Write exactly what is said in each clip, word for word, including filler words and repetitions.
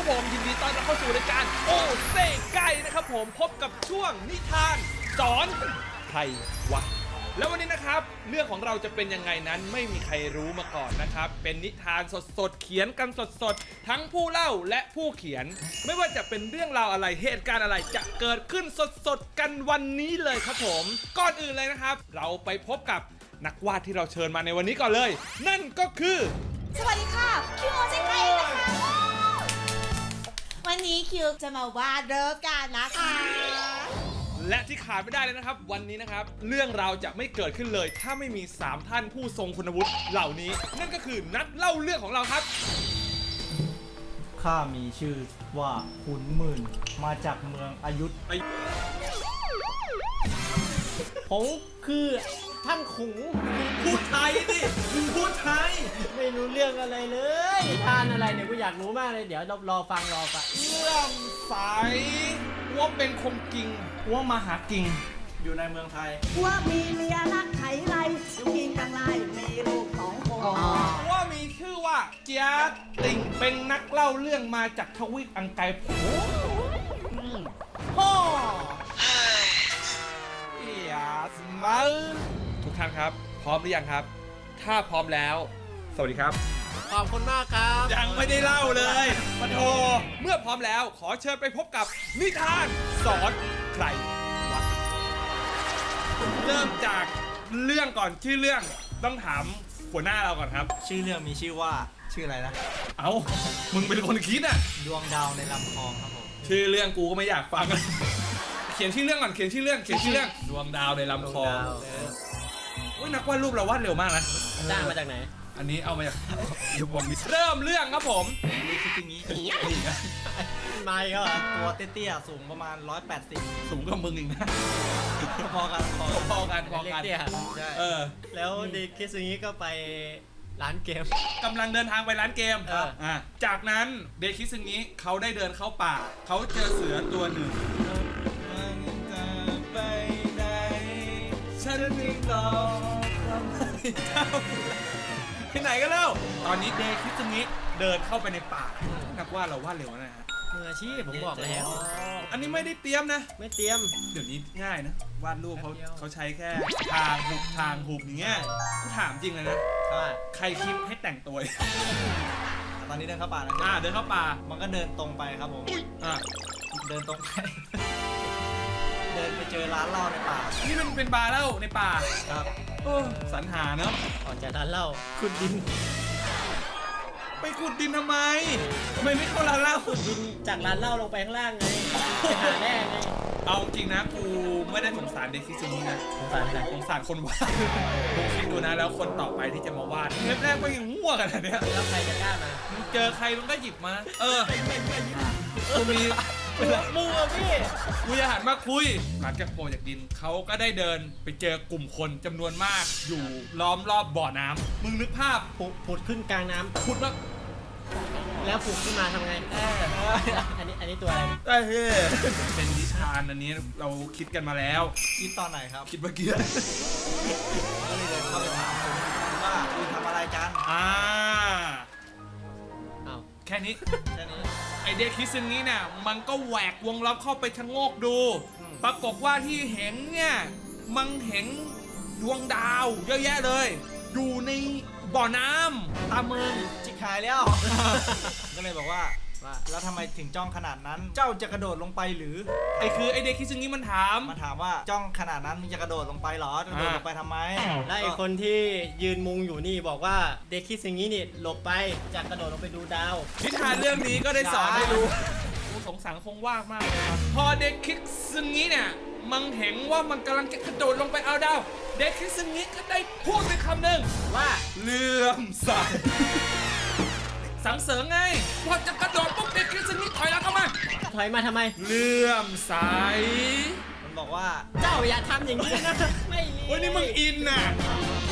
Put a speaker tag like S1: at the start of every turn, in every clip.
S1: ครับผมยินดีต้อนรับเข้าสู่รายการโอเซ่ไก่นะครับผมพบกับช่วงนิทานสอนใครวะแล้ววันนี้นะครับเรื่องของเราจะเป็นยังไงนั้นไม่มีใครรู้มาก่อนนะครับเป็นนิทานสดๆเขียนกันสดๆทั้งผู้เล่าและผู้เขียนไม่ว่าจะเป็นเรื่องราวอะไรเหตุการณ์อะไรจะเกิดขึ้นสดๆกันวันนี้เลยครับผมก่อนอื่นเลยนะครับเราไปพบกับนักวาดที่เราเชิญมาในวันนี้ก่อนเลยนั่นก็คือ
S2: สวัสดีค่ะคิวโอเจไกนะคะวันนี้คิวจะมาวาดเริ่มกันนะคะ
S1: และที่ขาดไม่ได้เลยนะครับวันนี้นะครับเรื่องราวจะไม่เกิดขึ้นเลยถ้าไม่มีสามท่านผู้ทรงคุณวุฒิเหล่านี้นั่นก็คือนักเล่าเรื่องของเราครับ
S3: ข้ามีชื่อว่าขุนหมื่นมาจากเมืองอยุธผมคือท่านขุง
S1: พูดไทยดิมึงพูดไทย
S3: ไม่รู้เรื่องอะไรเลยท่านอะไรเนี่ยกูอยากรู้มากเลยเดี๋ยวรอฟังรอฟัง
S1: เรื่องสายว่าเป็นคงกิงว่ามาหากิง
S3: อยู่ในเมืองไทย
S4: ว่ามีเมียรักไถไรอยู่กินกังไรมีลูกสองคน
S1: ว่ามีชื่อว่าเจียติ่งเป็นนักเล่าเรื่องมาจากทวีปอังกฤษโอ้โหอย่าสมัยทุกท่านครับพร้อมหรือยังครับถ้าพร้อมแล้วสวัสดีครับ
S3: ขอบคุณมากครับ
S1: ยังไม่ได้เล่าเลยปะโทเมื่อพร้อมแล้วขอเชิญไปพบกับนิทานสอนใครวะเริ่มจากเรื่องก่อนชื่อเรื่องต้องถามหัวหน้าเราก่อนครับ
S3: ชื่อเรื่องมีชื่อว่าชื่ออะไรนะ
S1: เอ้ามึงเป็นคนคิดอ่ะ
S3: ดวงดาวในลำคลองครับผม
S1: ชื่อเรื่องกูก็ไม่อยากฟังเขียนชื่อเรื่องก่อนเขียนชื่อเรื่องเขียนชื่อเรื่องดวงดาวในลำคลองอุ้ยนักวาดรูปเราวาดเร็วมากนะ
S3: จ้างมาจากไหน
S1: อันนี้เอามาจากเริ่มเรื่องครับผม
S3: นี่คืออย่างนี้ไม่ก็ตัวเตี้ยๆสูงประมาณหนึ่งร้อยแปดสิบ
S1: สูงกว่ามึงอีกนะ
S3: พอกัน
S1: พอกันพอกัน
S3: ใช่เออแล้วเด็กคิดอย่างนี้ก็ไปร้านเกม
S1: กำลังเดินทางไปร้านเกมอ่าจากนั้นเด็กคิดอย่างนี้เขาได้เดินเข้าป่าเขาเจอเสือตัวหนึ่งไปไหนฉันไม่ต้องทำให้เจ้าที่ไหนก็เล่าตอนนี้เดคิซึงิเดินเข้าไปในป่านักวาดเราวาดเร็วนะฮะ
S3: มืออาชีพผมบอกแล้ว
S1: อันนี้ไม่ได้เตรียมนะ
S3: ไม่เตรียม
S1: เดี๋ยวนี้ง่ายนะวาดรูปเขาเขาใช้แค่ทางหุบทางหุบอย่างเงี้ยกูถามจริงเลยนะใครคิดให้แต่งตัว
S3: ตอนนี้เดินเข้าป่าแล้ว
S1: อ่าเดินเข้าป่า
S3: มันก็เดินตรงไปครับผม
S1: อ่า
S3: เดินตรงไปเดินไปเจอร้านเหล้าในป่า
S1: นี่มันเป็นบาร์เหล้าในป่า
S3: ครับ
S1: สรรหาเนาะ
S3: ออกจากร้านเหล้าขุดดิน
S1: ไปขุดดินทำไมทำไมไม่เข้าร้านเหล้า
S3: ขุดดินจากร้านเหล้าลงไปข้างล่างไงไปหาแร่ไง
S1: เอาจริงนะกูไม่ได้สงสารเด็กที่ซึนี้นะ
S3: สงสารอะไร
S1: สงสารคนวาดกูคิดดูนะแล้วคนต่อไปที่จะมาวาดเทปแรกก็ยังมั่วกันนะเนี่ย
S3: แล้วใครจะกล้ามา
S1: เจอใครมันก็หยิบมาเออกูมี
S3: มือพี่
S1: กูจะหันมาคุยหลังจากโปรจากดินเขาก็ได้เดินไปเจอกลุ่มคนจำนวนมากอยู่ล้อมรอบบ่อน้ำมึงนึกภาพ
S3: ผุดขึ้นกลางน้ำ
S1: ผุดแล้ว
S3: แล้วผุดขึ้นมาทำไงอันนี้อันนี้ตัวอะไร
S1: เฮ้ยเป็นนิทานอันนี้เราคิดกันมาแล้ว
S3: คิดตอนไหนครับ
S1: คิดเมื่อกี้
S3: ก็เลยเดินเข้าไปถามว่าคุณทำอะไรกัน
S1: อ่า
S3: อ้าว
S1: แค่นี้
S3: แค่นี้
S1: ไอเด็กคิดซึ่งนี้เนี่ยมันก็แหวกวงล้อมเข้าไปชะโงกดูปรากฏว่าที่เห็นเนี่ยมันเห็นดวงดาวเยอะแยะเลยอยู่ในบ่อน้ำตามเมือง
S3: จิกหายแล้วก็เลยบอกว่าว่าแล้วทำไมถึงจ้องขนาดนั้นเจ้าจะกระโดดลงไปหรือ
S1: ไอคือไอเด็กคิดซึ่งนี้มันถาม
S3: มันถามว่าจ้องขนาดนั้นมึงจะกระโดดลงไปหรอกระโดดลงไปทำไมแล้วไอคนที่ยืนมุงอยู่นี่บอกว่าเด็กคิดซึ่งนี้นี่หลบไปจะกระโดดลงไปดูดาว
S1: นิทานเรื่องนี้ก็ได้สอนให้รู้สงสารคงว่างมากพอเด็กคิดซึ่งนี้เนี่ยมันเห็นว่ามันกำลังจะกระโดดลงไปเอาดาวเด็กคิดซึ่งนี้ก็ได้พูดไปคำหนึ่ง
S3: ว่า
S1: เลื่อมใสสังเสริญไงพอจะกระโดดปุ๊บเด็กคิดซึ่งนี้ถอยแล้วเข้ามา
S3: ถอยมาทำไม
S1: เลื่อมใส
S3: มันบอกว่าเจ้าอย่าทำอย่างนี้นะไม่
S1: วันนี้มึงอินน่ะ
S3: ใช่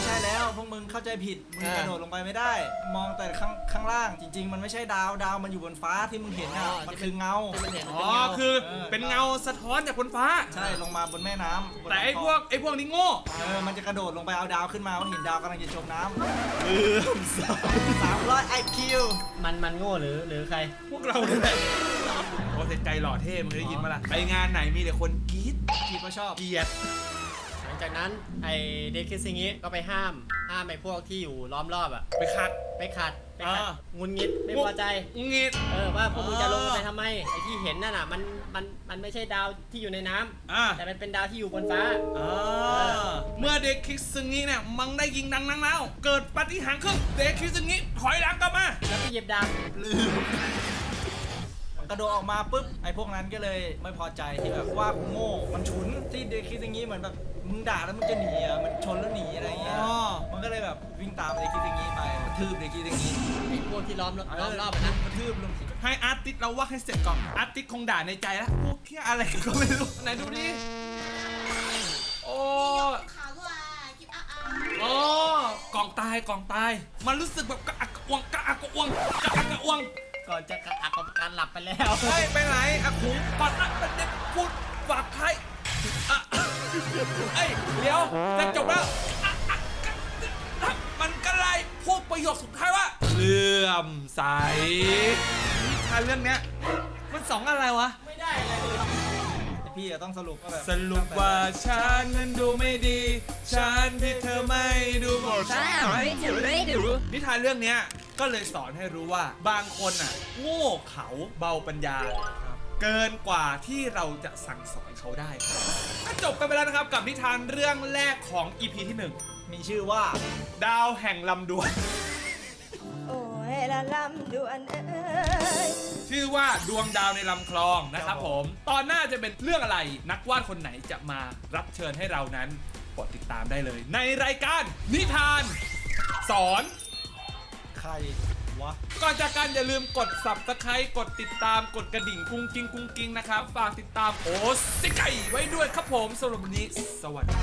S3: ช่แล้วพวกมึงเข้าใจผิดมึงกระโดดลงไปไม่ได้ มองแต่ข้างข้างล่างจริง ๆ มันไม่ใช่ดาวดาวมันอยู่บนฟ้าที่มึงเห็นอ่ะมันคือเงา
S4: ที่มันเห็น
S1: อ๋อคือเป็นเงาสะท้อนจากบนฟ้า
S3: ใช่ลงมาบนแม่น้ำบน
S1: แต่ไอ้พวกไอ้พวกนี้โง่
S3: เออมันจะกระโดดลงไปเอาดาวขึ้นมาว่าเห็นดาวกำลังจะจมน้ำลืมสามร้อยไอคิว
S4: มันมันโง่หรือหรือใคร
S1: พวกเราเนี่ยแหละโอ้เซนไกหล่อเท่มึงได้ยินมาละไปงานไหนมีแต่คนกรี๊ด
S3: คิดว่าชอบ
S1: เกลียด
S4: หลังจากนั้นไอเด็กคิดซิงี้ก็ไปห้ามห้ามไอพวกที่อยู่ล้อมรอบอะ
S1: ไปคัด
S4: ไปขัดไปขัด
S1: อ่าง
S4: ุนงิดไม่พอใจ
S1: งีด
S4: เออว่าพวกมึง
S1: อ่า
S4: จะลงไปทำไมไอที่เห็นนั่นน่ะมันมันมันไม่ใช่ดาวที่อยู่ในน้ำ
S1: อ่า
S4: แต่มันเป็นดาวที่อยู่บนฟ้า
S1: อ่าเมื่อเด็กคิดซึงิเนี่ยมังได้ยิงดังนังแล้วเกิดปาฏิหาริย์ขึ้นเด็กคิดซึงิถอยหลังกลับมา
S4: แล้วไปเหยียบดาว
S3: ลืมกระโดดออกมาปุ๊บไอ้พวกนั้นก็เลยไม่พอใจที่แบบว่ากูโง่มันฉุนที่เด็กคิดอย่างนี้เหมือนแบบมึงด่าแล้วมึงจะหนีอ่ะมันชนแล้วหนีอะไรอย่างเงี้ย
S1: อ๋อ
S3: มันก็เลยแบบวิ่งตามเด็กคิดอย่างนี้ไปกระทืบเด็กคิดอย่างนี้
S4: ไอพวกที่ล้อมรอบล้อมรอบอะนะ
S3: กระทืบลง
S1: ให้อาร์ติสเราว่าให้เสร็จก่อนอาร์ติสคงด่าในใจแล้วพวกเที่ยอะไรก็ไม่รู้ไหนดูดิโอ้
S2: ขาวด้วยกินอ่ะอ่ะ
S1: โอ้กองตายกองตาย มันรู้สึกแบบกระอักกระอ่วงกระอักกระอ่วงกระอักกระอ่วง
S4: ก่อนจะกระอักกับการหลับไปแล้ว
S1: เฮ้ยไปไหนอาขุงปัดอักเป็นเด็กพูดฝากใครอ่ะเอ้ยเดี๋ยวจะจบแล้วอ่ะอ่ะอ่ะมันก็ไล่พูดประโยคสุดท้ายว่าเลื่อมใสนิทานเรื่องเนี้ยมันสองอะไรวะ
S4: ไม่ได้เลย
S3: แต่พี่อะต้องสรุปว่าแบบ
S1: สรุปว่าฉันนั้นดูไม่ดี ฉันที่เธอไม่ดูหมดนิทานเรื่องเนี้ยก็เลยสอนให้รู้ว่าบางคนอ่ะโง่เขาเบาปัญญา เกินกว่าที่เราจะสั่งสอนเขาได้ครับก็จบกันไปแล้วนะครับกับนิทานเรื่องแรกของ อี พี ที่หนึ่ง
S3: มีชื่อว่า
S1: ดาวแห่งลำดวน
S5: โอ้ยละลำดวนเอ้ย
S1: ชื่อว่าดวงดาวในลำคลองนะครับผม ตอนหน้าจะเป็นเรื่องอะไรนักวาดคนไหนจะมารับเชิญให้เรานั้นกดติดตามได้เลย ในรายการนิทาน สอน
S3: ใครวะ
S1: ก่อนจากกันอย่าลืมกด Subscribe กดติดตามกดกระดิ่งกุ้งกิ้งกุ้งกิ้งนะครับ ฝากติดตามโอ้สิไก่ไว้ด้วยครับผมสำหรับวันนี้ สวัสดี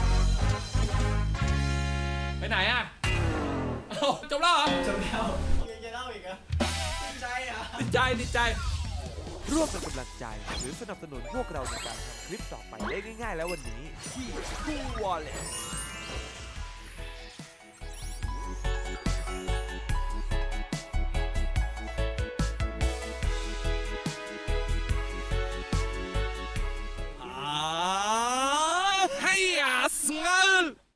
S1: ไปไหนอ่ะเอ้าจบแล้วเหรอ
S3: จำแล้ว
S4: ยังจะเล่าอีกเหรอ
S3: ใจอ่ะ
S1: ดีใจดีใจ
S6: ร่วมเป็นกำลังใจหรือสนับสนุนพวกเราในการทำคลิปต่อไปได้ง่ายๆแล้ววันนี้ที่ True Wallet